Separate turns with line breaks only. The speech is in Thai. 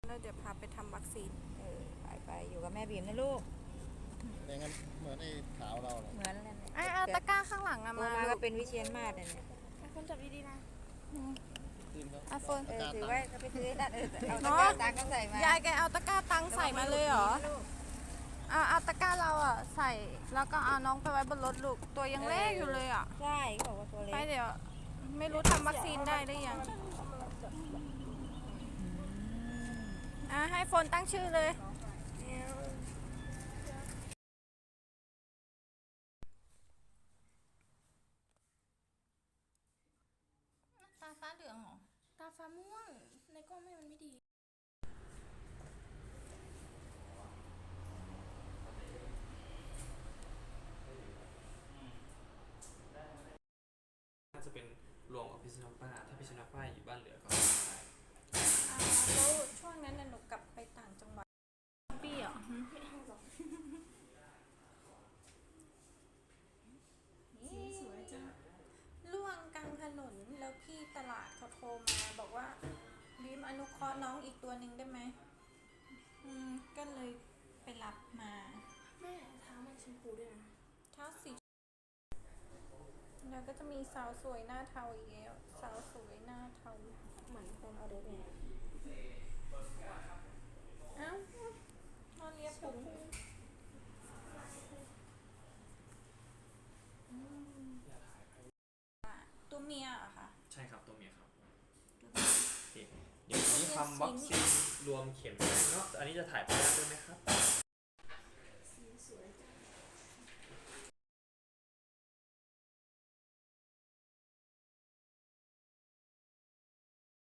แล้วเดี๋ยวพาไปทำวัคซีน
ไปอยู่กับแม่บีมนะลูก
อย่างนั้นเหมือนไอ้ขาวเราเลย
เหมือนอะไร
เอาตะกร้าข้างหลังอะมา
ก็เป็นวิเชียรมาศเนี่ย
คนจับดีๆนะ
โฟนถือไว้ก็ไปซื้อนั่นเอาตะกร้าตังก็ใส่มาย
ายแกเอาตะกร้าตังใส่มาเลยเหรอเอาตะกร้าเราอะใส่แล้วก็เอาน้องไปไว้บนรถลูกตัวยังเล็กอยู่เลยอะ
ใช่เขาบอกว่าตัวเล็ก
ไปเดี๋ยวไม่รู้ทำวัคซีนได้หรือยังให้โฟนตั้งชื่อเลยตาฟ้าเหลืองเหรอตาฟ้าม่วงในกล้องมันไม่ดี
น่าจะเป็นรวมกับพิษณุป้าถ้าพิษณุป้าอยู่บ้านเหลือก็
แล้วช่วงนั้นหนูกลับไปต่างจังหวัดปี้เหรอสวยจังล่วงกลางถนนแล้วพี่ตลาดเขาโทรมาบอกว่าบีมอนุเคราะห์น้องอีกตัวหนึ่งได้ไหมก็เลยไปรับมา
แม่เท้ามันชมพูด้วยนะ
เท้าสีแล้วก็จะมีสาวสวยหน้าเทาอีกแล้วสาวสวยหน้าเทา
เหมือนตอนเอาเด็กเนี่ย
นอนเลียผมตัวเมียอะค่ะ
ใช่ครับตัวเมียครับเดี๋ยวนี้ทำวัคซีนรวมเข็มเนาะอันนี้จะถ่ายภาพด้วยไหมครับ